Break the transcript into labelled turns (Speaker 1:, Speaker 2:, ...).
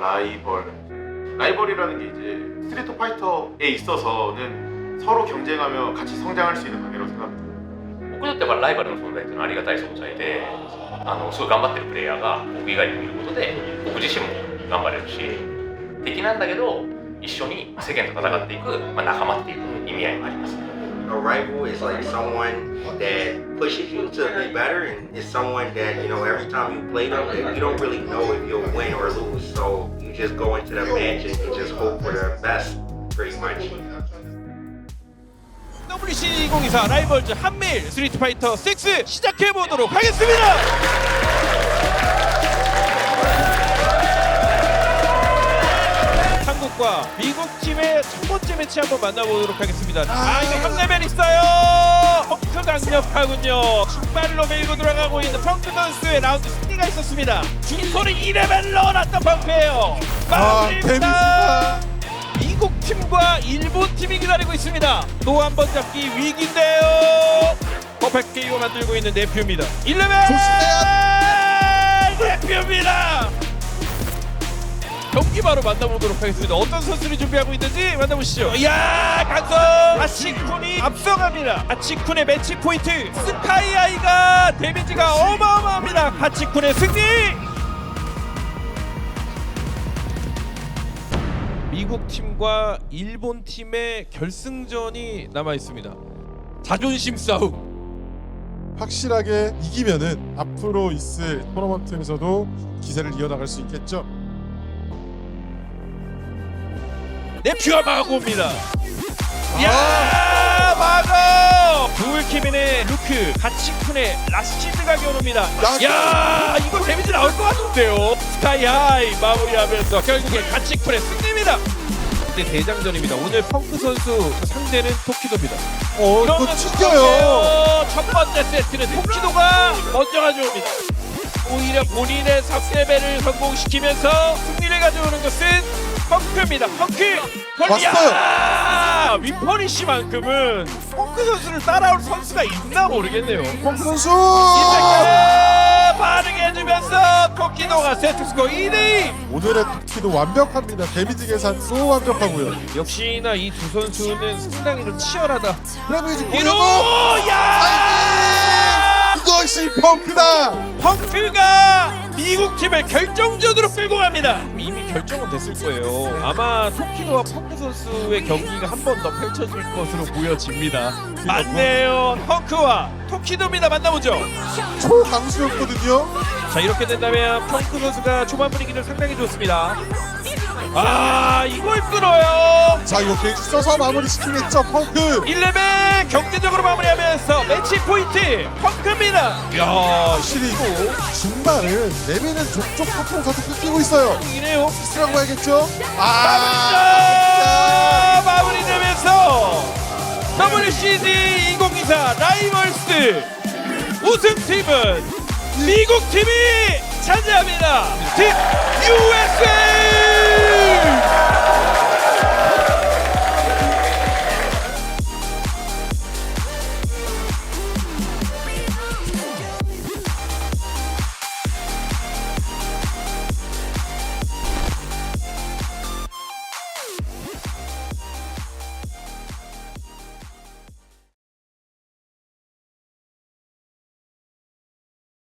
Speaker 1: 라이벌이라는 게 이제 스트리트 파이터에 있어서는 서로 경쟁하며 같이 성장할 수 있는 관계라고 생각합니다.
Speaker 2: 僕にとってはライバルの存在っていうのはありがたい存在ですごい頑張ってるプレイヤーが僕以外にもいることで僕自身も頑張れるし敵なんだけど一緒に世間と戦っていく、仲間っていう意味合いもあります。
Speaker 3: A rival is like someone that pushes you to be better, and it's someone that, you know, every time you play them, that you don't really know if you'll win or lose. So you just go into the match and you just hope for the best, pretty much.
Speaker 4: WC 2024 라이벌즈 한밀 스트리트 파이터 6 시작해 보도록 하겠습니다. 한국과 미국 팀의 첫 번째 매치 한번 만나보도록 하겠습니다. 이거 3레벨 있어요. 펑크 강력하군요. 중발로 밀고 들어가고 있는 펑크 선수의 라운드 승리가 있었습니다. 중소리 2레벨 넣어놨던 펑크예요. 마무리입니다. 미국 팀과 일본 팀이 기다리고 있습니다. 또 한 번 잡기 위기인데요. 퍼펙트 KO 만들고 있는 네퓨입니다. 1레벨 네퓨입니다. 경기 바로 만나보도록 하겠습니다. 어떤 선수를 준비하고 있는지 만나보시죠. 이야, 강성 아치쿤이 앞서갑니다. 아치쿤의 매치 포인트 스카이아이가 데미지가 어마어마합니다. 아치쿤의 승리. 미국 팀과 일본 팀의 결승전이 남아 있습니다. 자존심 싸움.
Speaker 5: 확실하게 이기면은 앞으로 있을 토너먼트에서도 기세를 이어나갈 수 있겠죠.
Speaker 4: 네퓨가 막고 옵니다. 야, 막어! 두울키민의 루크, 가치쿤의 라시드가 겨눕니다. 야, 이거 데미지 나올 것 같은데요. 스카이하이 마무리하면서 결국에 가치쿤의 승리입니다. 근데 대장전입니다. 오늘 펑크 선수 상대는 토키도입니다.
Speaker 5: 이거 튕겨요.
Speaker 4: 첫 번째 세트는 토키도가 먼저 가져옵니다. 오히려 본인의 3레벨을 성공시키면서 승리를 가져오는 것은 펑크입니다. 펑크!
Speaker 5: 왔어요.
Speaker 4: 윈퍼니시만큼은 펑크 선수를 따라올 선수가 있나 모르겠네요.
Speaker 5: 펑크 선수.
Speaker 4: 이때까지 반응해 해주면서 토키도가 세트 스코어 2대2.
Speaker 5: 오늘의 토키도 완벽합니다. 데미지 계산도 완벽하고요.
Speaker 4: 역시나 이 두 선수는 상당히 좀 치열하다.
Speaker 5: 그러면
Speaker 4: 이로 야!
Speaker 5: 이것이 펑크다.
Speaker 4: 펑크가 미국 팀을 결정전으로 끌고 갑니다. 이미 결정은 됐을 거예요. 아마 토키도와 펑크 선수의 경기가 한 번 더 펼쳐질 것으로 보여집니다. 맞네요. 펑크와 토키도입니다. 만나보죠.
Speaker 5: 초강수였거든요.
Speaker 4: 자, 이렇게 된다면 펑크 선수가 초반 분위기를 상당히 좋습니다. 아, 이걸 끌어요.
Speaker 5: 자, 이거 게이지 써서 마무리 시키겠죠. 펑크.
Speaker 4: 1레벨 경제적으로 마무리하면서 매치 포인트 펑크입니다. 이야,
Speaker 5: 확실히 중반은 레벨은 족족 탑으로서도 끊기고 있어요.
Speaker 4: 이네요.
Speaker 5: 스라고 봐야겠죠.
Speaker 4: 마무리되면서 WCG 2024 라이벌스 우승팀은 미국 팀이 차지합니다. 팀 USA.